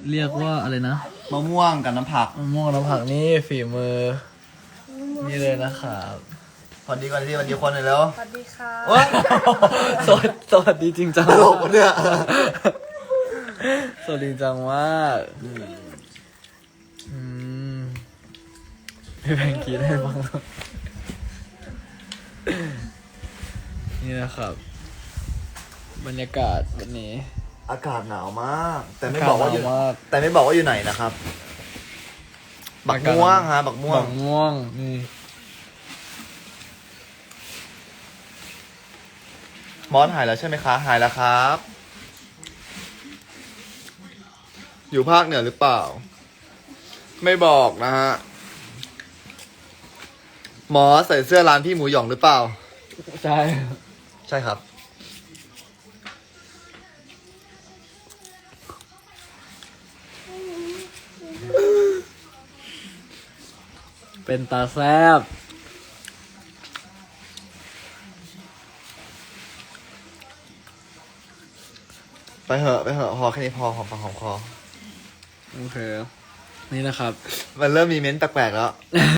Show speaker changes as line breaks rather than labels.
เรียกว่าอะไรนะ
มะม่วงกับน้ำผัก
มะม่วงน้ำผักนี่ฝีมือ นี่เลยนะครับ
พอดีก่อนที่วันดีคนหน่อยแล้ว
สวัสดีค่ะ
สวัสดีจริงจัง
ตลกปะเนี่ย
สวัสดีจังมากพี่แบงค์คิดให้ฟังหน่อยนี่นะครับ บรรยากาศวันนี้
อากาศหนาวมาก แต่ไม่บอกว่าอยู่
หนาวมาก
แต่ไม่บอกว่าอยู่ไหนนะครับ บักม่วงฮะบักม่วง
บักม่วงนี่
มอสหายแล้วใช่ไหมคะ หายแล้วครับ อยู่ภาคเหนือหรือเปล่า ไม่บอกนะฮะมอสใส่เสื้อร้านพี่หมูหยองหรือเปล่า
ใช่
ใช่ครับ
เป็นตาแซบ
ไปเหอะพอแค่นี้พอหอมปากหอมคอ
โอเค นี่นะครับ
มันเริ่มมีเม้นต์แปลกๆแล้ว